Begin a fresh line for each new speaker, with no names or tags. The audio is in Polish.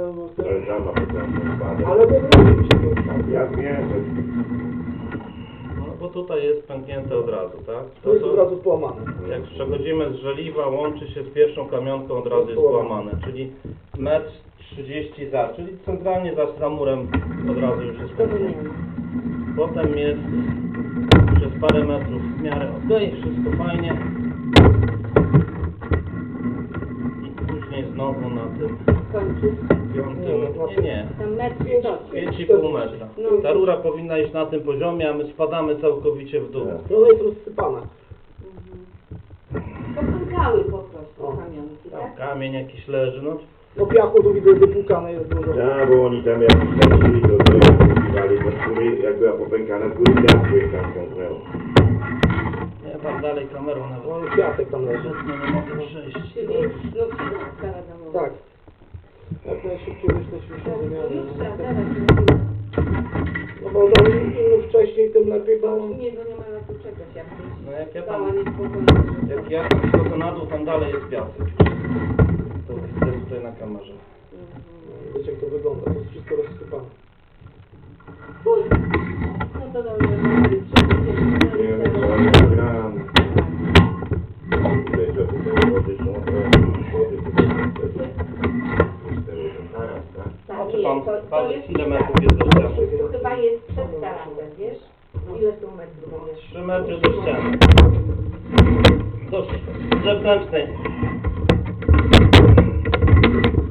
To jest żadna potężna spada.
Ale to nie się to ustawi.
Ja wiem, że
No bo tutaj jest pęknięte od razu, tak?
To jest od razu połamane.
Jak przechodzimy z żeliwa, łączy się z pierwszą kamionką, od razu jest połamane, czyli 1,30 m za, czyli centralnie za murem od razu już jest pęknięte. Potem jest przez parę metrów w miarę ok, wszystko fajnie. I później znowu na tym
Kończy.
piątym, nie,
Tam metr
5,5 metra. Ta rura powinna iść na tym poziomie, a my spadamy całkowicie w dół.
To jest rozsypana.
To są gały po prostu,
O.
kamionki, tak?
Kamień jakiś leży, no
No piachu tu widzę wypłukane jest dużo.
tak, bo oni tam jak lecili, to używali do skóry, jak była popękana skóry, piasku ich tam ciągnęło.
ja tam dalej kamerą nawet
No piasek tam leży.
nie mogę przejść.
Czyli, no przydawka domowa.
Tak. Jak najszybciej wyszliśmy się
No
wymiany.
już trzeba dawać.
No bo im wcześniej, tym lepiej, bo...
Nie, bo nie ma na to czekać, jak
No jak ja
stała
tam,
niespokojna.
jak ja tam schodzę na dół, tam dalej jest piasek. To widzę tutaj na kamerze.
Wiecie jak to wygląda, to jest wszystko rozsypane.
No to dobrze, że
Nie wiem, co oni gram. Tutaj to tutaj wody są, wody tutaj zaraz, tak?
Tak,
Czy
nie,
pan
to
parzy,
jest
ile metrów jest do ściany?
To chyba jest przed tarantem, wiesz? Ile tu metrów jest?
3 metry do ściany. Do zewnętrznej.